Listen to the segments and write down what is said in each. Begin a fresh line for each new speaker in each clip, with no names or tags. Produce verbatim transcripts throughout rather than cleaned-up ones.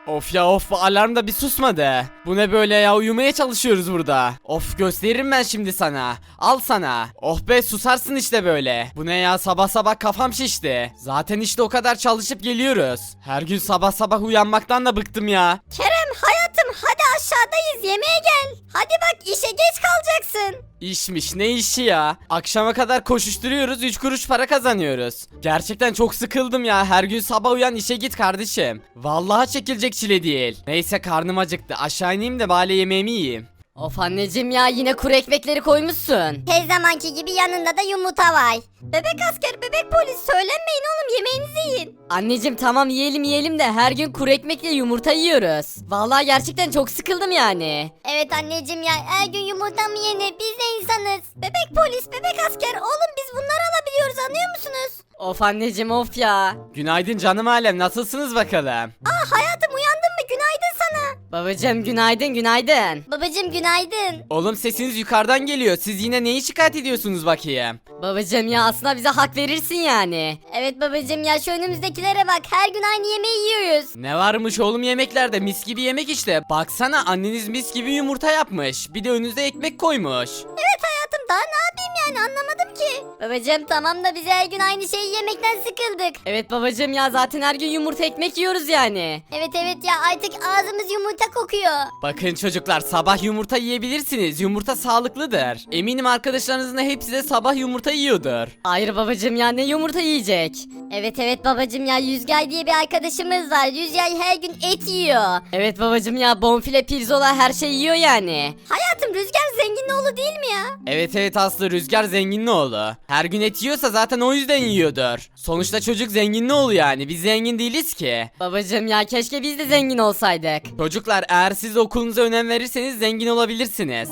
Of ya of, bu alarm da bir susmadı. Bu ne böyle ya, uyumaya çalışıyoruz burada. Of, gösteririm ben şimdi sana. Al sana. Oh be, susarsın işte böyle. Bu ne ya, sabah sabah kafam şişti. Zaten işte o kadar çalışıp geliyoruz. Her gün sabah sabah uyanmaktan da bıktım ya.
Kerem hayatım hadi aşağıdayız yemeğe gel. Hadi bak işe geç kalacaksın.
İşmiş, ne işi ya? Akşama kadar koşuşturuyoruz, üç kuruş para kazanıyoruz. Gerçekten çok sıkıldım ya, her gün sabah uyan işe git kardeşim. Vallahi çekilecek çile değil. Neyse, karnım acıktı, aşağı ineyim de bari yemeğimi yiyeyim.
Of anneciğim ya, yine kuru ekmekleri koymuşsun.
Her zamanki gibi yanında da yumurta var. Bebek asker bebek polis söylenmeyin oğlum yemeğinizi yiyin.
Anneciğim tamam yiyelim yiyelim de her gün kuru ekmekle yumurta yiyoruz. Vallahi gerçekten çok sıkıldım yani.
Evet anneciğim ya her gün yumurta mı yenir biz de insanız. Bebek polis bebek asker oğlum biz bunları alabiliyoruz anlıyor musunuz?
Of anneciğim of ya.
Günaydın canım alem, nasılsınız bakalım?
Aa hayatım uyandın mı günaydın sana.
Babacığım günaydın günaydın.
Babacım günaydın.
Oğlum, sesiniz yukarıdan geliyor, siz yine neyi şikayet ediyorsunuz bakayım?
Babacığım ya, aslında bize hak verirsin yani.
Evet babacım ya şu önümüzdekilere bak her gün aynı yemeği yiyoruz.
Ne varmış oğlum yemeklerde, mis gibi yemek işte. Baksana, anneniz mis gibi yumurta yapmış. Bir de önünüze ekmek koymuş.
Evet hayatım daha ne yapayım yani anlamadım ki. Babacım tamam da biz her gün aynı şeyi yemekten sıkıldık.
Evet babacığım ya, zaten her gün yumurta ekmek yiyoruz yani.
Evet evet ya artık ağzımız yumurta kokuyor.
Bakın çocuklar, sabah yumurta yiyebilirsiniz. Yumurta sağlıklıdır. Eminim arkadaşlarınızın hepsi de sabah yumurta yiyordur.
Hayır babacığım ya, ne yumurta yiyecek?
Evet evet babacım ya Yüzgay diye bir arkadaşımız var. Yüzgay her gün et yiyor.
Evet babacığım ya, bonfile pirzola her şey yiyor yani.
Hayatım Rüzgar zengin oğlu değil mi ya?
Evet evet Aslı, Rüzgar zenginin oğlu. Her gün et yiyorsa zaten o yüzden yiyordur. Sonuçta çocuk zenginin oğlu yani, biz zengin değiliz ki.
Babacığım ya, keşke biz de zengin olsaydık.
Çocuklar, eğer siz okulunuza önem verirseniz zengin olabilirsiniz.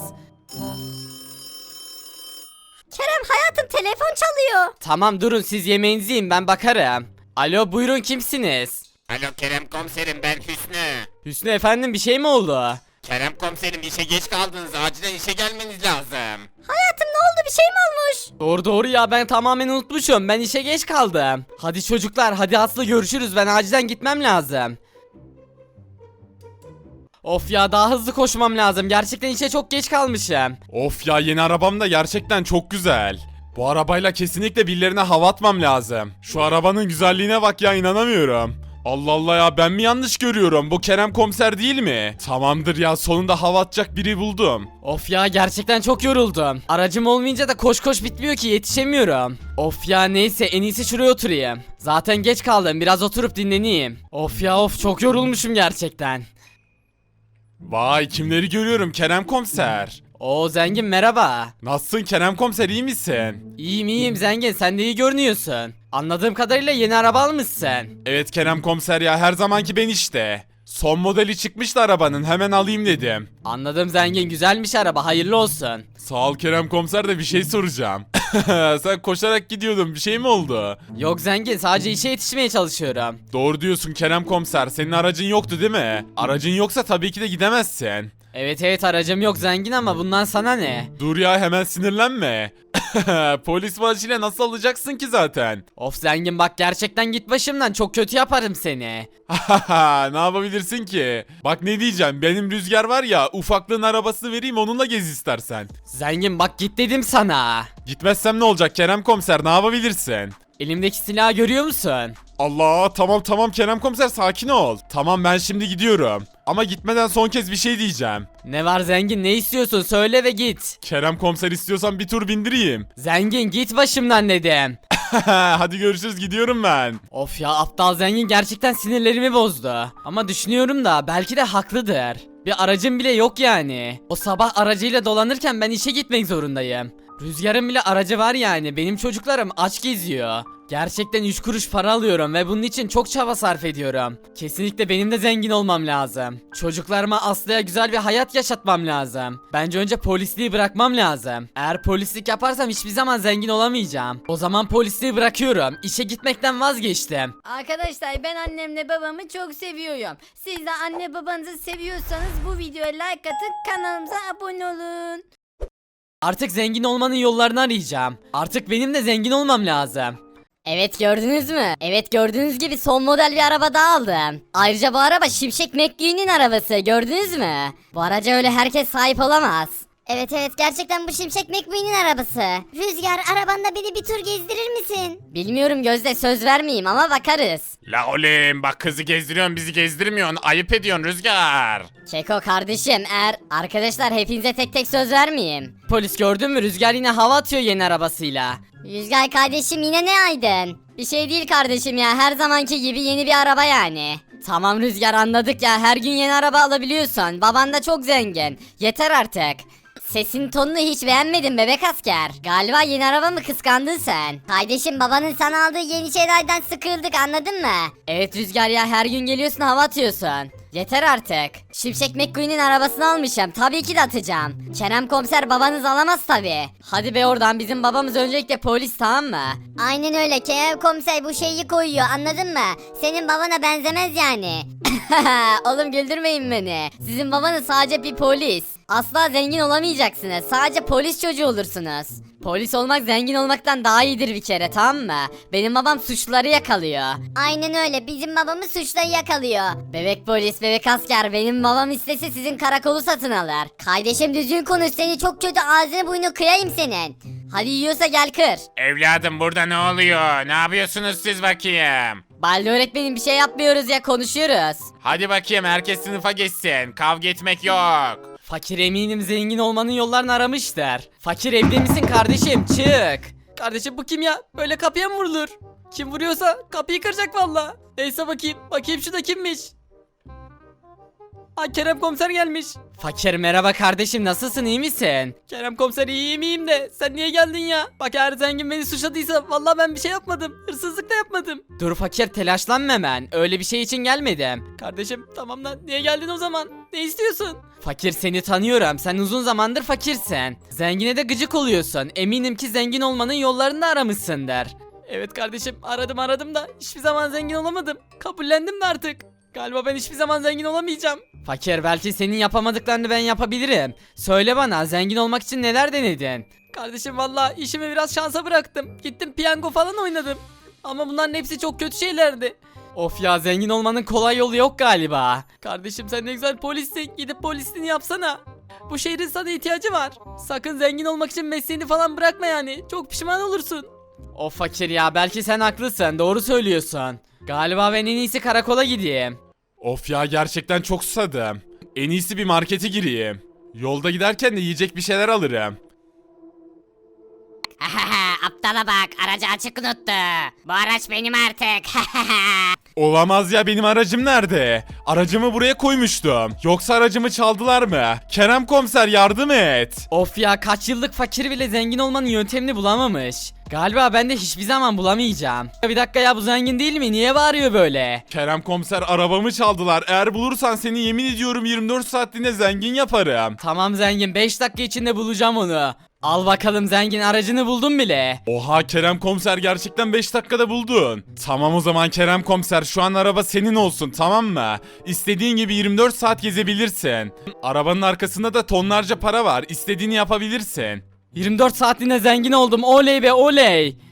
Kerem hayatım telefon çalıyor.
Tamam, durun siz yemeğinizi yiyin, ben bakarım. Alo, buyurun, kimsiniz?
Alo Kerem komiserim, ben Hüsnü.
Hüsnü efendim, bir şey mi oldu?
Kerem komiserim, işe geç kaldınız, acilen işe gelmeniz lazım.
Hayatım ne oldu bir şey mi olmuş?
Doğru doğru ya, ben tamamen unutmuşum, ben işe geç kaldım. Hadi çocuklar, hadi Aslı, görüşürüz, ben acilen gitmem lazım. Of ya, daha hızlı koşmam lazım, gerçekten işe çok geç kalmışım.
Of ya, yeni arabam da gerçekten çok güzel. Bu arabayla kesinlikle birilerine hava atmam lazım. Şu arabanın güzelliğine bak ya, inanamıyorum. Allah Allah ya, ben mi yanlış görüyorum? Bu Kerem komiser değil mi? Tamamdır ya, sonunda hava atacak biri buldum.
Of ya, gerçekten çok yoruldum. Aracım olmayınca da koş koş bitmiyor ki, yetişemiyorum. Of ya, neyse, en iyisi şuraya oturayım. Zaten geç kaldım, biraz oturup dinleneyim. Of ya of, çok yorulmuşum gerçekten.
Vay, kimleri görüyorum Kerem komiser.
Oo zengin, merhaba.
Nasılsın Kerem komiser, iyi misin?
İyiyim iyiyim zengin, sen de iyi görünüyorsun. Anladığım kadarıyla yeni araba almışsın.
Evet Kerem komiser ya, her zamanki ben işte. Son modeli çıkmıştı arabanın, hemen alayım dedim.
Anladım zengin, güzelmiş araba, hayırlı olsun.
Sağ ol Kerem komiser, de bir şey soracağım. Sen koşarak gidiyordun, bir şey mi oldu?
Yok zengin, sadece işe yetişmeye çalışıyorum.
Doğru diyorsun Kerem komiser, senin aracın yoktu değil mi? Aracın yoksa tabii ki de gidemezsin.
Evet evet, aracım yok zengin ama bundan sana ne?
Dur ya, hemen sinirlenme. Polis maaşıyla nasıl alacaksın ki zaten?
Of zengin bak, gerçekten git başımdan, çok kötü yaparım seni.
Ne yapabilirsin ki? Bak ne diyeceğim, benim Rüzgar var ya, ufaklığın arabasını vereyim, onunla gez istersen.
Zengin bak, git dedim sana.
Gitmezsem ne olacak Kerem komiser, ne yapabilirsin?
Elimdeki silahı görüyor musun?
Allah, tamam tamam Kerem komiser, sakin ol. Tamam, ben şimdi gidiyorum. Ama gitmeden son kez bir şey diyeceğim.
Ne var zengin, ne istiyorsun, söyle ve git.
Kerem komiser, istiyorsan bir tur bindireyim.
Zengin git başımdan dedim.
Hadi görüşürüz, gidiyorum ben.
Of ya, aptal zengin gerçekten sinirlerimi bozdu. Ama düşünüyorum da belki de haklıdır. Bir aracım bile yok yani. O sabah aracıyla dolanırken ben işe gitmek zorundayım. Rüzgar'ın bile aracı var yani, benim çocuklarım aç geziyor. Gerçekten üç kuruş para alıyorum ve bunun için çok çaba sarf ediyorum. Kesinlikle benim de zengin olmam lazım. Çocuklarıma Aslı'ya güzel bir hayat yaşatmam lazım. Bence önce polisliği bırakmam lazım. Eğer polislik yaparsam hiçbir zaman zengin olamayacağım. O zaman polisliği bırakıyorum. İşe gitmekten vazgeçtim.
Arkadaşlar ben annemle babamı çok seviyorum. Siz de anne babanızı seviyorsanız bu videoya like atın, kanalımıza abone olun.
Artık zengin olmanın yollarını arayacağım. Artık benim de zengin olmam lazım.
Evet gördünüz mü? Evet gördüğünüz gibi son model bir araba daha aldım. Ayrıca bu araba Şimşek McQueen'in arabası gördünüz mü? Bu araca öyle herkes sahip olamaz.
Evet evet gerçekten bu Şimşek McQueen'in arabası. Rüzgar arabanda beni bir tur gezdirir misin?
Bilmiyorum Gözde söz vermeyeyim ama bakarız.
La oğlum bak kızı gezdiriyorsun bizi gezdirmiyorsun. Ayıp ediyorsun Rüzgar.
Keko kardeşim eğer arkadaşlar hepinize tek tek söz vermeyeyim.
Polis gördün mü? Rüzgar yine hava atıyor yeni arabasıyla.
Rüzgar kardeşim yine ne aydın? Bir şey değil kardeşim ya her zamanki gibi yeni bir araba yani. Tamam Rüzgar anladık ya her gün yeni araba alabiliyorsun. Baban da çok zengin. Yeter artık. Sesin tonunu hiç beğenmedim bebek asker. Galiba yeni araba mı kıskandın sen?
Kardeşim babanın sana aldığı yeni şeylerden sıkıldık anladın mı?
Evet Rüzgar ya her gün geliyorsun hava atıyorsun. Yeter artık. Şimşek McQueen'in arabasını almışım. Tabii ki de atacağım. Kerem komiser babanız alamaz tabii. Hadi be oradan bizim babamız öncelikle polis tamam mı?
Aynen öyle Kerem komiser bu şeyi koyuyor anladın mı? Senin babana benzemez yani.
Oğlum güldürmeyin beni. Sizin babanız sadece bir polis. Asla zengin olamayacaksınız. Sadece polis çocuğu olursunuz. Polis olmak zengin olmaktan daha iyidir bir kere tamam mı? Benim babam suçluları yakalıyor.
Aynen öyle bizim babamız suçları yakalıyor.
Bebek polis, bebek asker benim babam istese sizin karakolu satın alır.
Kardeşim düzgün konuş seni çok kötü ağzını burnunu kırayım senin.
Hadi yiyorsa gel kır.
Evladım burada ne oluyor? Ne yapıyorsunuz siz bakayım?
Balde öğretmenim bir şey yapmıyoruz ya konuşuyoruz.
Hadi bakayım herkes sınıfa geçsin. Kavga etmek yok.
Fakir eminim zengin olmanın yollarını aramışlar. Fakir evde misin kardeşim? Çık. Kardeşim bu kim ya? Böyle kapıya mı vurulur? Kim vuruyorsa kapıyı kıracak valla. Neyse bakayım. Bakayım şu da kimmiş? Aa Kerem komiser gelmiş. Fakir merhaba kardeşim nasılsın iyi misin? Kerem komiser iyiyim iyiyim de sen niye geldin ya? Bak eğer zengin beni suçladıysa vallahi ben bir şey yapmadım. Hırsızlık da yapmadım. Dur fakir telaşlanma hemen. Öyle bir şey için gelmedim. Kardeşim tamam lan niye geldin o zaman? Ne istiyorsun? Fakir seni tanıyorum. Sen uzun zamandır fakirsin. Zengine de gıcık oluyorsun. Eminim ki zengin olmanın yollarını da aramışsındır. Evet kardeşim aradım aradım da hiçbir zaman zengin olamadım. Kabullendim de artık. Galiba ben hiçbir zaman zengin olamayacağım. Fakir belki senin yapamadıklarını ben yapabilirim. Söyle bana zengin olmak için neler denedin? Kardeşim valla işimi biraz şansa bıraktım. Gittim piyango falan oynadım. Ama bunların hepsi çok kötü şeylerdi. Of ya zengin olmanın kolay yolu yok galiba. Kardeşim sen ne güzel polissin. Gidip polisliğini yapsana. Bu şehrin sana ihtiyacı var. Sakın zengin olmak için mesleğini falan bırakma yani. Çok pişman olursun. Of fakir ya belki sen haklısın. Doğru söylüyorsun. Galiba ben en iyisi karakola gideyim.
Of ya gerçekten çok susadım. En iyisi bir markete gireyim. Yolda giderken de yiyecek bir şeyler alırım.
Aptala bak aracı açık unuttu. Bu araç benim artık.
Olamaz ya benim aracım nerede? Aracımı buraya koymuştum. Yoksa aracımı çaldılar mı? Kerem komiser yardım et.
Of ya kaç yıllık fakir bile zengin olmanın yöntemini bulamamış. Galiba ben de hiçbir zaman bulamayacağım. Bir dakika ya bu zengin değil mi? Niye bağırıyor böyle?
Kerem komiser arabamı çaldılar. Eğer bulursan seni yemin ediyorum yirmi dört saatliğine zengin yaparım.
Tamam zengin beş dakika içinde bulacağım onu. Al bakalım zengin aracını buldum bile.
Oha Kerem komiser gerçekten beş dakikada buldun. Tamam o zaman Kerem komiser şu an araba senin olsun tamam mı? İstediğin gibi yirmi dört saat gezebilirsin. Arabanın arkasında da tonlarca para var. İstediğini yapabilirsin.
yirmi dört saatliğine zengin oldum oley be oley.